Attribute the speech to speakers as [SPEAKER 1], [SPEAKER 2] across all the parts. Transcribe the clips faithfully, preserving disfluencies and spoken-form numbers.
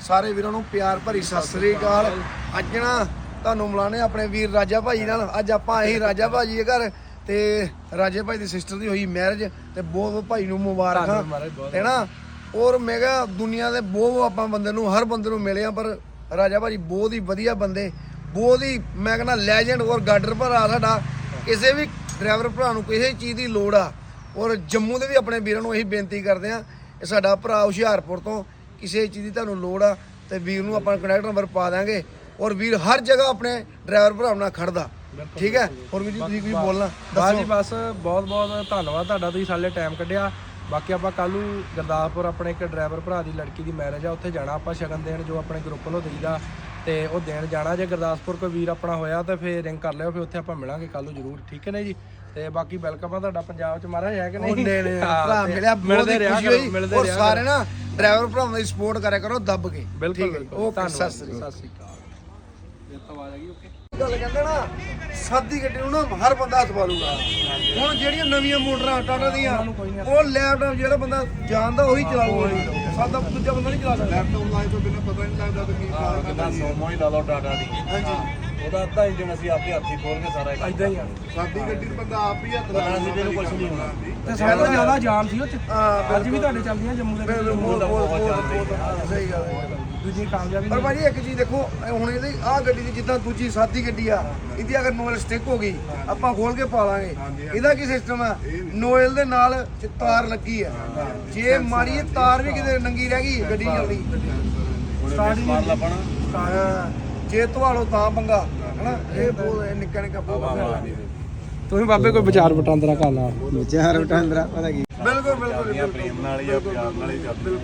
[SPEAKER 1] ਸਾਰੇ ਵੀਰਾਂ ਨੂੰ ਪਿਆਰ ਭਰੀ ਸਤਿ ਸ੍ਰੀ ਅਕਾਲ। ਅੱਜ ਨਾ ਤੁਹਾਨੂੰ ਮਿਲਾਣੇ ਆਪਣੇ ਵੀਰ ਰਾਜਾ ਭਾਜੀ ਨਾਲ। ਅੱਜ ਆਪਾਂ ਆਏ ਸੀ ਰਾਜਾ ਭਾਜੀ ਦੇ ਘਰ ਤੇ ਰਾਜੇ ਭਾਈ ਦੀ ਸਿਸਟਰ ਦੀ ਹੋਈ ਮੈਰਿਜ ਤੇ ਬਹੁਤ ਭਾਈ ਨੂੰ ਮੁਬਾਰਕਾਂ ਤੇ ਨਾ। ਔਰ ਮੈਂ ਕਿਹਾ ਦੁਨੀਆ ਦੇ ਬਹੁਤ ਆਪਾਂ ਬੰਦੇ ਨੂੰ ਹਰ ਬੰਦੇ ਨੂੰ ਮਿਲੇ ਆ, ਪਰ ਰਾਜਾ ਭਾਜੀ ਬਹੁਤ ਹੀ ਵਧੀਆ ਬੰਦੇ, ਬਹੁਤ ਹੀ ਮੈਂ ਕਹਿੰਦਾ ਲੈਜੈਂਡ ਔਰ ਗਾਡਰ ਭਰਾ ਸਾਡਾ। ਕਿਸੇ ਵੀ ਡਰਾਈਵਰ ਭਰਾ ਨੂੰ ਕਿਸੇ ਚੀਜ਼ ਦੀ ਲੋੜ ਆ, ਔਰ ਜੰਮੂ ਦੇ ਵੀ ਆਪਣੇ ਵੀਰਾਂ ਨੂੰ ਇਹੀ ਬੇਨਤੀ ਕਰਦੇ ਆ, ਇਹ ਸਾਡਾ ਭਰਾ ਹੁਸ਼ਿਆਰਪੁਰ ਤੋਂ ਕਿਸੇ ਚੀਜ਼ ਦੀ ਤੁਹਾਨੂੰ ਲੋੜ ਆ ਤੇ ਵੀਰ ਨੂੰ ਆਪਾਂ ਕੰਟੈਕਟ ਨੰਬਰ ਪਾ ਦਾਂਗੇ। ਔਰ ਵੀਰ ਹਰ ਜਗ੍ਹਾ ਆਪਣੇ ਡਰਾਈਵਰ ਭਰਾ ਨਾਲ ਖੜਦਾ, ਠੀਕ ਹੈ। ਹੋਰ ਵੀਰ ਜੀ ਤੁਸੀਂ ਕੁਝ ਬੋਲਣਾ?
[SPEAKER 2] ਬਸ ਜੀ ਬਸ ਬਹੁਤ ਬਹੁਤ ਧੰਨਵਾਦ ਤੁਹਾਡਾ, ਤੁਸੀਂ ਸਾਡੇ ਟਾਈਮ ਕੱਢਿਆ। ਬਾਕੀ ਆਪਾਂ ਕੱਲ੍ਹ ਨੂੰ ਗੁਰਦਾਸਪੁਰ ਆਪਣੇ ਇੱਕ ਡਰਾਈਵਰ ਭਰਾ ਦੀ ਲੜਕੀ ਦੀ ਮੈਰਿਜ ਆ, ਉੱਥੇ ਜਾਣਾ ਆਪਾਂ ਸ਼ਗਨ ਦੇਣ, ਜੋ ਆਪਣੇ ਗਰੁੱਪ ਵੱਲੋਂ ਦੇਈਦਾ ਤੇ ਉਹ ਦੇਣ ਜਾਣਾ। ਜੇ ਗੁਰਦਾਸਪੁਰ ਕੋਈ ਵੀਰ ਆਪਣਾ ਹੋਇਆ ਤਾਂ ਫਿਰ ਰਿੰਗ ਕਰ ਲਿਓ, ਫਿਰ ਉੱਥੇ ਆਪਾਂ ਮਿਲਾਂਗੇ ਕੱਲ੍ਹ ਨੂੰ ਜ਼ਰੂਰ, ਠੀਕ ਹੈ ਨਾ ਜੀ। ਤੇ ਬਾਕੀ ਵੈਲਕਮ ਆ ਤੁਹਾਡਾ ਪੰਜਾਬ ਚ ਮਹਾਰਾਜ, ਹੈ ਕਿ ਨਹੀਂ?
[SPEAKER 1] ਭਰਾ ਮਿਲਿਆ
[SPEAKER 2] ਮਿਲਦੇ ਰਿਹਾ ਮਿਲਦੇ
[SPEAKER 1] ਔਰ ਸਾਰੇ ਨਾ ਡਰਾਈਵਰ ਭਰਾਵਾਂ ਦੀ ਸਪੋਰਟ ਕਰਿਆ ਕਰੋ ਦੱਬ ਕੇ।
[SPEAKER 2] ਬਿਲਕੁਲ ਬਿਲਕੁਲ।
[SPEAKER 1] ਓਕੇ, ਸਤਿ ਸ੍ਰੀ
[SPEAKER 2] ਸਤਿ ਸ੍ਰੀ ਅਕਾਲ। ਇਹ ਤਾਂ ਆਵਾਜ਼ ਆ ਗਈ। ਓਕੇ,
[SPEAKER 1] ਗੱਲ ਕਹਿੰਦੇ ਨਾ ਸਾਦੀ ਗੱਡੀ ਨੂੰ ਨਾ ਹਰ ਬੰਦਾ ਹੱਥ ਪਾ ਲੂਗਾ। ਹੁਣ ਜਿਹੜੀਆਂ ਨਵੀਆਂ ਮੋਟਰਾਂ ਟਾਟਾ ਦੀਆਂ, ਉਹ ਲੈਪਟਾਪ ਜਿਹੜਾ ਬੰਦਾ ਜਾਣਦਾ ਉਹੀ ਚਲਾਊਗਾ, ਸਾਦਾ ਦੂਜਾ ਬੰਦਾ ਨਹੀਂ ਚਲਾ ਸਕਦਾ।
[SPEAKER 3] ਲੈਪਟਾਪ ਲਾਏ ਤੋਂ ਬਿਨਾਂ ਪਤਾ ਨਹੀਂ ਲੱਗਦਾ ਕਿ ਕੀ ਕਾਰ
[SPEAKER 4] ਕਿੰਨਾ ਸੋਮੋ ਹੀ ਲਾ ਲਓ ਟਾਟਾ ਦੀ।
[SPEAKER 1] ਹਾਂਜੀ,
[SPEAKER 4] ਉਹਦਾ ਅੱਧਾ ਇੰਜਨ ਅਸੀਂ ਆਪੇ ਹੱਥੀ ਖੋਲ ਕੇ ਸਾਰਾ ਕੰਮ
[SPEAKER 2] ਇਦਾਂ ਹੀ ਆ।
[SPEAKER 3] ਸਾਡੀ ਗੱਡੀ ਨੂੰ ਬੰਦਾ ਆਪ ਹੀ ਹੱਥ ਲਾ
[SPEAKER 4] ਪਤਾ ਸੀ ਮੈਨੂੰ ਕੁਝ ਨਹੀਂ ਹੋਣਾ।
[SPEAKER 2] ਤੇ ਸਾਰਿਆਂ ਤੋਂ ਜ਼ਿਆਦਾ ਜਾਮ ਸੀ ਉਹ ਚ।
[SPEAKER 1] ਹਾਂ
[SPEAKER 2] ਅੱਜ ਵੀ ਤੁਹਾਡੇ ਚੱਲਦੀਆਂ ਜੰਮੂ ਦੇ ਵਿੱਚ।
[SPEAKER 1] ਬਹੁਤ ਬਹੁਤ ਸਹੀ ਗੱਲ ਹੈ।
[SPEAKER 2] ਦੂਜੀ ਕਾਮਯਾਬੀ
[SPEAKER 1] ਪਰ ਭਾਜੀ ਇੱਕ ਚੀਜ਼ ਦੇਖੋ, ਹੁਣ ਇਹਦੀ ਆਹ ਗੱਡੀ ਦੀ ਜਿੱਦਾਂ ਦੂਜੀ ਸਾਦੀ ਗੱਡੀ ਆ, ਇਹਦੀ ਅਗਰ ਨੋਇਲ ਸਟਿਕ ਹੋ ਗਈ ਆਪਾਂ ਖੋਲ ਕੇ ਪਾ ਲਾਂਗੇ। ਇਹਦਾ ਕੀ ਸਿਸਟਮ ਆ, ਨੋਇਲ ਦੇ ਨਾਲ ਚ ਤਾਰ ਲੱਗੀ ਆ, ਜੇ ਮਾਰੀ ਇਹ ਤਾਰ ਵੀ ਕਿਤੇ ਨੰਗੀ ਰਹਿ ਗਈ ਗੱਡੀ ਨਹੀਂ ਚੱਲਦੀ।
[SPEAKER 4] ਸਟਾਰਟ ਮਾਰ ਲਾ ਪਣਾ।
[SPEAKER 1] ਹਾਂ, ਜੇ ਧਵਾਲੋ ਤਾਂ ਪੰਗਾ ਹਨਾ। ਇਹ ਬਹੁਤ ਨਿੱਕਾ ਨਿੱਕਾ ਬਹੁਤ ਪੰਗਾ।
[SPEAKER 2] ਤੁਸੀਂ ਬਾਬੇ ਕੋਈ ਵਿਚਾਰ ਵਟਾਂਦਰਾ ਕਰ ਲਾ।
[SPEAKER 1] ਵਿਚਾਰ ਵਟਾਂਦਰਾ ਪਤਾ ਕੀ। ਬਿਲਕੁਲ ਬਿਲਕੁਲ
[SPEAKER 4] ਪ੍ਰੇਮ ਨਾਲ ਹੀ ਆ, ਪਿਆਰ ਨਾਲ ਹੀ ਚੱਲਦੀ।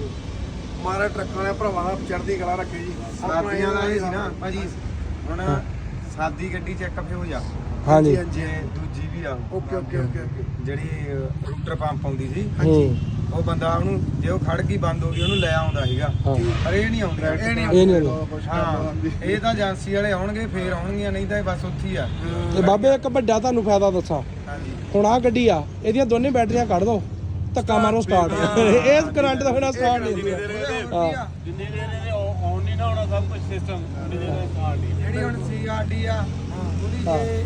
[SPEAKER 1] ਮਾਰਾ ਟਰੱਕਾਂ ਵਾਲੇ ਭਰਾਵਾਂ ਦਾ ਚੜ੍ਹਦੀ ਕਲਾ ਰੱਖੇ ਜੀ।
[SPEAKER 3] ਸਾਦੀਆਂ ਦਾ ਇਹ ਸੀ ਨਾ ਭਾਜੀ, ਹੁਣ ਸਾਦੀ ਗੱਡੀ ਚੈੱਕਅਪ ਹੋ ਜਾ।
[SPEAKER 2] ਹਾਂਜੀ
[SPEAKER 3] ਜੇ ਦੂਜੀ ਵੀ ਆ
[SPEAKER 1] ਓਕੇ ਓਕੇ ਓਕੇ ਓਕੇ।
[SPEAKER 3] ਜਿਹੜੀ ਰੂਟਰ ਪੰਪ ਆਉਂਦੀ ਸੀ,
[SPEAKER 2] ਹੂੰ
[SPEAKER 3] ਉਹ ਬੰਦਾ ਉਹਨੂੰ ਜੇ ਉਹ ਖੜ ਗਈ ਬੰਦ ਹੋ ਗਈ ਉਹਨੂੰ ਲੈ ਆਉਂਦਾ ਸੀਗਾ,
[SPEAKER 2] ਹਾਂ।
[SPEAKER 3] ਪਰ ਇਹ ਨਹੀਂ ਆਉਂਦੀ।
[SPEAKER 1] ਇਹ ਨਹੀਂ
[SPEAKER 2] ਇਹ ਨਹੀਂ ਹੁੰਦਾ।
[SPEAKER 3] ਹਾਂ, ਇਹ ਤਾਂ ਏਜੰਸੀ ਵਾਲੇ ਆਉਣਗੇ ਫੇਰ ਆਉਣਗੀਆਂ, ਨਹੀਂ ਤਾਂ ਇਹ ਬਸ ਉੱਥੇ ਹੀ ਆ।
[SPEAKER 2] ਤੇ ਬਾਬੇ ਇੱਕ ਵੱਡਾ ਤੁਹਾਨੂੰ ਫਾਇਦਾ ਦੱਸਾਂ,
[SPEAKER 3] ਹਾਂਜੀ,
[SPEAKER 2] ਹੁਣ ਆਹ ਗੱਡੀ ਆ, ਇਹਦੀਆਂ ਦੋਨੇ ਬੈਟਰੀਆਂ ਕੱਢ ਦੋ, ਧੱਕਾ ਮਾਰੋ ਸਟਾਰਟ। ਇਹ ਕਰੰਟ ਦਾ ਬਿਨਾਂ ਸਟਾਰਟ ਨਹੀਂ ਹੁੰਦੀ। ਹਾਂ,
[SPEAKER 4] ਜਿੰਨੇ ਦੇਰ ਇਹਨੇ ਆਨ ਨਹੀਂ ਨਾ ਹੋਣਾ ਸਭ ਕੁਝ ਸਿਸਟਮ, ਉਹਨੇ ਦੇਰ ਸਟਾਰਟ ਨਹੀਂ।
[SPEAKER 3] ਜਿਹੜੀ ਹੁਣ ਸੀ ਆਰ ਡੀ ਆ, ਉਹਦੀ ਜੇ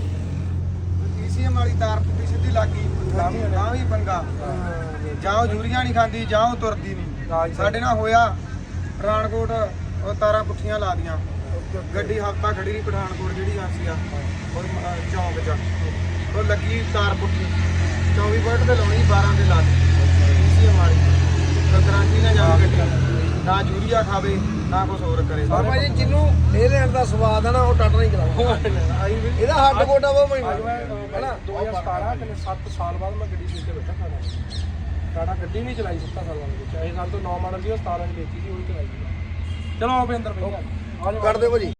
[SPEAKER 3] ਈ ਸੀ ਐਮ ਵਾਲੀ ਤਾਰ ਟੁੱਟੀ ਸਿੱਧੀ ਲੱਗ ਗਈ ਤਾਂ ਵੀ ਪੰਗਾ। ਜਾਂ ਉਹ ਜੂਰੀਆਂ ਨਹੀਂ ਖਾਂਦੀ ਜਾਂ ਉਹ ਤੁਰਦੀ ਨਹੀਂ। ਸਾਡੇ ਨਾਲ ਹੋਇਆ ਪਠਾਨਕੋਟ, ਉਹ ਤਾਰਾਂ ਪੁੱਠੀਆਂ ਲਾ ਦੀਆਂ, ਗੱਡੀ ਹਫਤਾ ਖੜੀ ਰਹੀ ਪਠਾਨਕੋਟ ਜਿਹੜੀ ਆਸੀ ਆ ਉਹ ਚੌਂਕ 'ਚ, ਉਹ ਲੱਗੀ ਤਾਰ ਪੁੱਠੀ, ਚੌਵੀ ਵੋਲਟ ਤੇ ਲਾਉਣੀ, ਬਾਰਾਂ ਦੇ ਲਾ ਦਿੱਤੀ ਈ ਸੀ ਐਮ ਵਾਲੀ। ਗਾਰੰਟੀ ਨਾ ਜਾਵੇ ਗੱਡੀ, ਨਾ ਜੂਰੀਆ ਖਾਵੇ ਨਾ ਕੁਝ ਹੋਰ ਕਰੇ।
[SPEAKER 1] ਪਰ ਭਾਜੀ ਜਿਹਨੂੰ ਇਹ ਲੈਣ ਦਾ ਸਵਾਦ ਆ ਨਾ, ਉਹ ਟੱਟ ਨਹੀਂ ਕਰਾਉਂਦਾ। ਇਹਦਾ ਹੱਡ ਗੋਡਾ ਬਹੁਤ ਮਹਿੰਗਾ ਹੈਨਾ।
[SPEAKER 2] ਦੋ ਹਜ਼ਾਰ ਸਤਾਰਾਂ ਤੇ ਸੱਤ ਸਾਲ ਬਾਅਦ ਮੈਂ ਗੱਡੀ ਸਿੱਖ ਕੇ ਬੈਠਾ ਖਾਣਾ। ਸਾਡਾ ਗੱਡੀ ਨਹੀਂ ਚਲਾਈ ਸੱਤਾਂ ਸਾਲਾਂ ਦੇ ਵਿੱਚ। ਇਹ ਸਾਲ ਤੋਂ ਨੌ ਮਾਡਲ ਸੀ, ਉਹ ਸਤਾਰਾਂ ਦੀ ਵੇਚੀ ਸੀ, ਉਹੀ ਚਲਾਈ ਸੀ। ਚਲੋ ਆਪੇ ਅੰਦਰ ਬੈਠਾ।
[SPEAKER 1] ਕੱਢ ਦਿਓ ਭਾਜੀ।